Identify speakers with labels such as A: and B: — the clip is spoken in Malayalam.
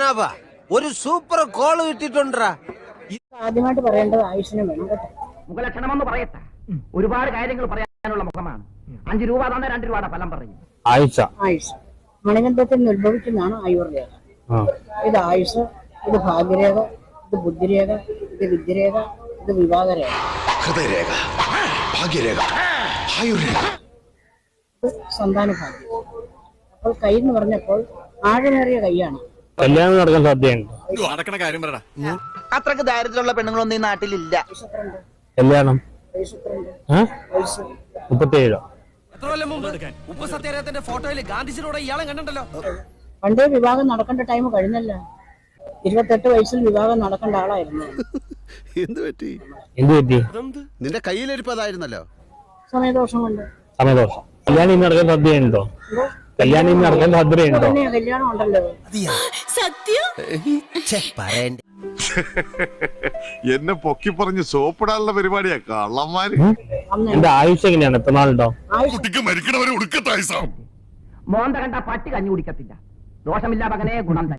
A: ജനാബ ഒരു സൂപ്പർ കോള് കിട്ടിട്ടുണ്ടാ.
B: ആദ്യമായിട്ട് പറയേണ്ടത് ആയുഷിനും വേണം കേട്ടോ.
C: മുഖലക്ഷണമെന്ന് പറയട്ടെ, ഒരുപാട് കാര്യങ്ങൾ പറയാനുള്ള മുഖമാണ്. 5 രൂപ തന്നെ 2 രൂപയുടെ ഫലം പറയും.
B: ആയുഷ് മണികണ്ഠത്തിൽ നിന്ന് ഉത്ഭവിക്കുന്നതാണ് ആയുർരേഖ. ഇത് ആയുഷ്, ഇത് ഭാഗ്യരേഖ, ഇത് ബുദ്ധിരേഖ, ഇത് വിദ്യരേഖ, ഇത് വിവാഹരേഖ,
D: ഹൃദയരേഖ, ഭാഗ്യരേഖ, ആയുർരേഖ,
B: ഇത് സന്താന ഭാഗ്യം. അപ്പോൾ കൈ എന്ന് പറഞ്ഞപ്പോൾ ആഴമേറിയ കൈയാണ്.
E: കല്യാണം നടക്കാൻ സാധ്യതയുണ്ട്.
F: അത്രക്ക് ദാരിദ്ര്യമുള്ള പെണ്ണുങ്ങളൊന്നും ഈ നാട്ടിലില്ല.
E: കല്യാണം 37
A: ഫോട്ടോയിൽ ഗാന്ധിജിയോടെ ഇയാളെ കണ്ടല്ലോ.
B: പണ്ടേ വിവാഹം നടക്കേണ്ട ടൈം കഴിഞ്ഞല്ലോ. 28 വയസ്സിൽ വിവാഹം നടക്കേണ്ട ആളായിരുന്നു.
D: എന്ത് പറ്റി? നിന്റെ കയ്യിലിരിപ്പതായിരുന്നല്ലോ.
B: സമയദോഷം കൊണ്ട്.
E: സമയദോഷം. കല്യാണം നടക്കാൻ സാധ്യതയുണ്ടോ? കല്യാണം നടക്കാൻ സാധ്യതയുണ്ടോ?
B: കല്യാണം ഉണ്ടല്ലോ.
G: എന്നെ പൊക്കി പറഞ്ഞ് സോപ്പിടാനുള്ള പരിപാടിയാ കള്ളന്മാര്.
E: എന്റെ ആയുഷ് എങ്ങനെയാണ്? എത്ര നാളുണ്ടോ?
C: മോന്ത കണ്ട പട്ടി കഞ്ഞു കുടിക്കത്തില്ല. ദോഷമില്ല മകനെ, ഗുണം തന്നെ.